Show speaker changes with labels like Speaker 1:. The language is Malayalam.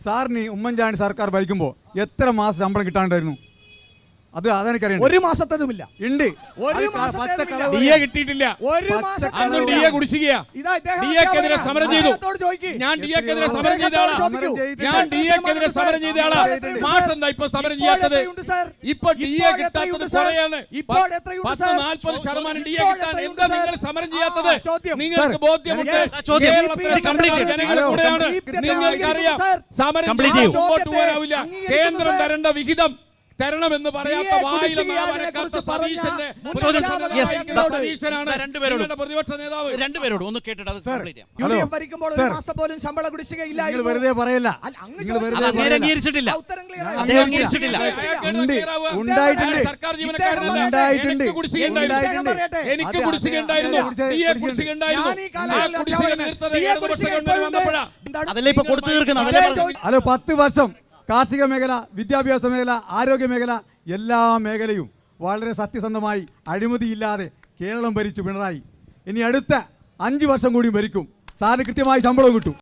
Speaker 1: സാറിന് ഉമ്മൻചാണ്ടി സർക്കാർ ഭരിക്കുമ്പോൾ എത്ര മാസം ശമ്പളം കിട്ടാണ്ടായിരുന്നു? അത് അതെനിക്കറിയാം.
Speaker 2: ഒരു മാസത്തേതുമില്ല.
Speaker 1: ഉണ്ട്.
Speaker 3: കിട്ടിയിട്ടില്ല. ഡിഎക്കെതിരെ സമരം ചെയ്തു. ഞാൻ ഡിഎക്കെതിരെ സമരം ചെയ്ത ആളാ. മാസം എന്താ ഇപ്പൊ സമരം ചെയ്യാത്തത്? ഇപ്പൊ ഡിഎ കിട്ടാത്തത് കുറയാണ്. 40% ഡിഎ കിട്ടാൻ എന്താ നിങ്ങൾ സമരം ചെയ്യാത്തത്? നിങ്ങൾക്ക് ബോധ്യമുണ്ട്. നിങ്ങൾക്കറിയാം സമരം മുമ്പോട്ട് പോകാനാവില്ല. കേന്ദ്രം തരേണ്ട വിഹിതം തരണമെന്ന് പറയാത്ത പ്രതിപക്ഷ നേതാവ്.
Speaker 4: രണ്ടുപേരോട് ഒന്ന് കേട്ടിട്ട്
Speaker 1: വെറുതെ പറയല്ല.
Speaker 3: സർക്കാർ ജീവനക്കാരനല്ല. എനിക്ക് കുടിശ്ശികയുണ്ടായിരുന്നു.
Speaker 4: അതല്ലേ ഇപ്പൊ കൊടുത്തു തീർക്കുന്നത്.
Speaker 1: അല്ല, 10 വർഷം കാർഷിക മേഖല, വിദ്യാഭ്യാസ മേഖല, ആരോഗ്യ മേഖല, എല്ലാ മേഖലയും വളരെ സത്യസന്ധമായി അഴിമതിയില്ലാതെ കേരളം ഭരിച്ചു പിണറായി. ഇനി അടുത്ത 5 വർഷം കൂടി ഭരിക്കും. സാറിന് കൃത്യമായി ശമ്പളവും കിട്ടും.